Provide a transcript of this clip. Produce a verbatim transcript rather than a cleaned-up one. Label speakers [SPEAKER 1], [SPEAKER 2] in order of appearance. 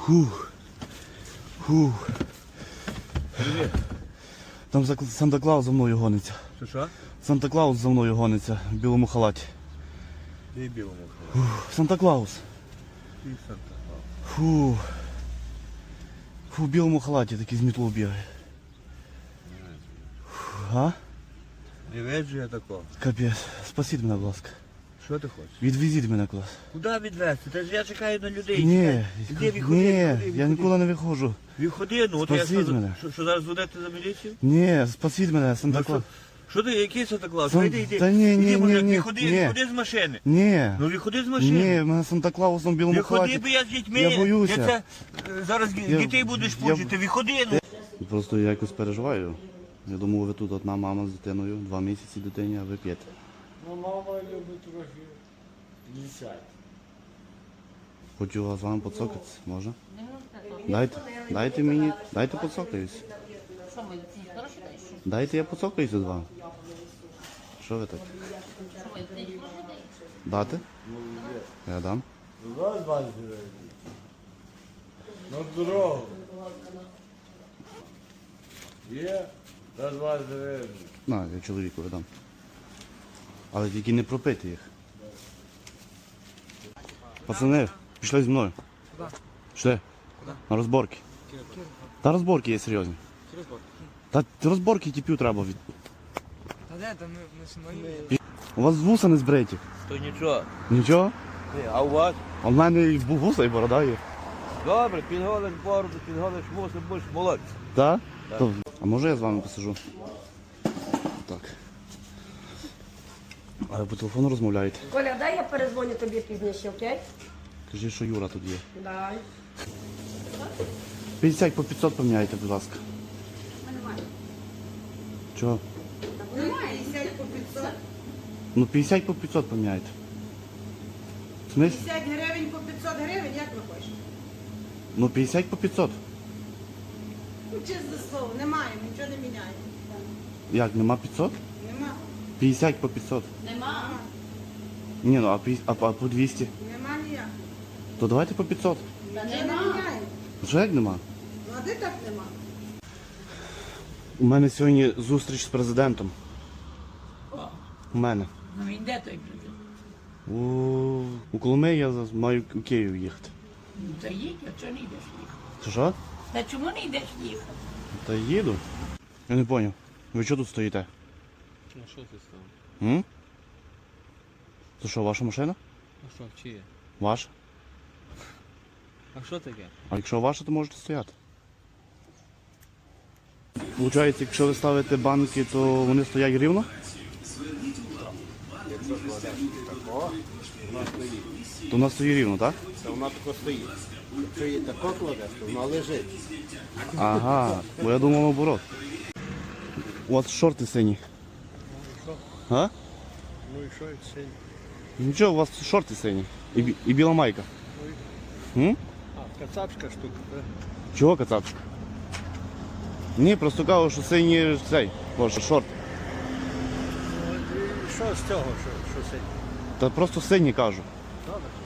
[SPEAKER 1] Фух. Фух.
[SPEAKER 2] Привіт.
[SPEAKER 1] Там Санта-Клаус за мною гониться.
[SPEAKER 2] Що що?
[SPEAKER 1] Санта-Клаус за мною гониться в білому халаті.
[SPEAKER 2] Ти білому.
[SPEAKER 1] Фух. Санта-Клаус.
[SPEAKER 2] Ти Санта-Клаус.
[SPEAKER 1] Фу. Фу, в білому халаті такий з мітлою бігає. Фу, а?
[SPEAKER 2] Не веджу я такого.
[SPEAKER 1] Капець. Спасіть мене, будь ласка.
[SPEAKER 2] Що ти хочеш?
[SPEAKER 1] Відвезіть мене кудись.
[SPEAKER 2] Куди відвезти? Та ж я чекаю на людей.
[SPEAKER 1] Ні,
[SPEAKER 2] Іди, відходи,
[SPEAKER 1] ні,
[SPEAKER 2] відходи,
[SPEAKER 1] я
[SPEAKER 2] відходи.
[SPEAKER 1] нікуди не виходжу.
[SPEAKER 2] Відходи, ну от я
[SPEAKER 1] Спасіть
[SPEAKER 2] що,
[SPEAKER 1] мене.
[SPEAKER 2] що, що зараз ведете за міліцію?
[SPEAKER 1] Ні, спасіть мене,
[SPEAKER 2] Ну, що,
[SPEAKER 1] Санта-Клаус.
[SPEAKER 2] що ти, який Санта-Клаус?
[SPEAKER 1] Сан-
[SPEAKER 2] Йди, йди.
[SPEAKER 1] Та ні, ні,
[SPEAKER 2] Іди, може,
[SPEAKER 1] ні, ні,
[SPEAKER 2] відходи,
[SPEAKER 1] ні.
[SPEAKER 2] відходи з машини.
[SPEAKER 1] Ні.
[SPEAKER 2] Ну відходи з машини.
[SPEAKER 1] Ні, в мене Санта-Клаус в білому
[SPEAKER 2] Відходи,
[SPEAKER 1] халаті.
[SPEAKER 2] бо я з дітьми.
[SPEAKER 1] Я боюся.
[SPEAKER 2] Я це, е, зараз
[SPEAKER 1] Я-
[SPEAKER 2] дітей будеш
[SPEAKER 1] я-
[SPEAKER 2] пучити. Відходи, ну.
[SPEAKER 1] Просто я якось переживаю. Я думав, ви тут одна мама з дитиною, два місяці дитині, а ви п'єте.
[SPEAKER 3] Ну, мама любить трохи лісати.
[SPEAKER 1] Хочу з вами поцокатися, може? Дайте, дайте мені, дайте поцокаюсь.
[SPEAKER 4] Що ми ці хороші даєш?
[SPEAKER 1] Дайте я поцокаюся з вами. Що ви так?
[SPEAKER 4] Що ми ці хороші даєш?
[SPEAKER 1] Дати? Я дам.
[SPEAKER 3] Раз вас живе. На дорогу. Є, раз вас живе.
[SPEAKER 1] На, я чоловіку дам. Але тільки не пропити їх. Пацани, пішли зі мною.
[SPEAKER 5] Куди?
[SPEAKER 1] Пішли. На розборки. Та розборки є серйозні. Та розборки тіпів треба від.
[SPEAKER 5] Та де, там ми, ми самої...
[SPEAKER 1] У вас вуса не збриті.
[SPEAKER 2] То нічого.
[SPEAKER 1] Нічого?
[SPEAKER 2] А у вас?
[SPEAKER 1] А в мене і вуса, і борода є.
[SPEAKER 2] Добре, підголиш бороду, підголиш вуси, будеш молодці.
[SPEAKER 1] Так? То- А може я з вами посижу? Так. А ви по телефону розмовляєте?
[SPEAKER 6] Коля, дай я перезвоню тобі пізніше, окей?
[SPEAKER 1] Кажіть, що Юра тут є.
[SPEAKER 6] Дай.
[SPEAKER 1] п'ятдесят по п'ятсот поміняйте, будь ласка. Чого?
[SPEAKER 7] п'ятдесят по п'ятсот.
[SPEAKER 1] Ну п'ятдесят по п'ятсот поміняйте. В смислі?
[SPEAKER 7] п'ятдесят гривень по п'ятсот гривень, як ви хочете?
[SPEAKER 1] Ну п'ятдесят по п'ятсот.
[SPEAKER 7] Ну, чесне слово, немає, нічого не міняємо.
[SPEAKER 1] Як, нема п'ятсот?
[SPEAKER 7] Нема,
[SPEAKER 1] п'ятдесят по п'ятсот.
[SPEAKER 4] Нема.
[SPEAKER 1] Ні, ну а, п'ятдесят а, а по двісті?
[SPEAKER 7] нема ніяк.
[SPEAKER 1] То давайте по п'ятсот.
[SPEAKER 4] Та
[SPEAKER 7] Нічого не
[SPEAKER 4] нема.
[SPEAKER 7] міняємо.
[SPEAKER 1] Що як нема?
[SPEAKER 7] Ну, а де так нема?
[SPEAKER 1] У мене сьогодні зустріч з президентом. У мене.
[SPEAKER 4] Ну він де той президент?
[SPEAKER 1] У, у Коломиї я за- маю у Київ їхати.
[SPEAKER 4] Ну та їдь, а чого не йдеш їхати?
[SPEAKER 1] Це що?
[SPEAKER 4] Та чому не йдеш їхати?
[SPEAKER 1] Та їду. Я не зрозумів. Ви чого тут стоїте?
[SPEAKER 5] А що ти став?
[SPEAKER 1] М? Це що, ваша машина?
[SPEAKER 5] А що, чиє?
[SPEAKER 1] Ваша?
[SPEAKER 5] А що таке?
[SPEAKER 1] А якщо ваша, то можете стояти. Получається, якщо ви ставите банки, то вони стоять рівно? То вона стоїть рівно, так?
[SPEAKER 8] Та вона тако стоїть. Якщо її тако кладеш, то вона лежить.
[SPEAKER 1] Ага, бо я думав наоборот. У вас шорти сині. А?
[SPEAKER 8] Ну і що, і синь?
[SPEAKER 1] Нічого, у вас шорти сині. І, бі- і біла майка. М?
[SPEAKER 8] А, кацапська штука. так?
[SPEAKER 1] Чого кацапчик? Ні, просто кажу, що сині цей, боже, шорт.
[SPEAKER 8] Ну, і що з цього, що, що синь?
[SPEAKER 1] Та просто сині кажу.
[SPEAKER 8] Добре.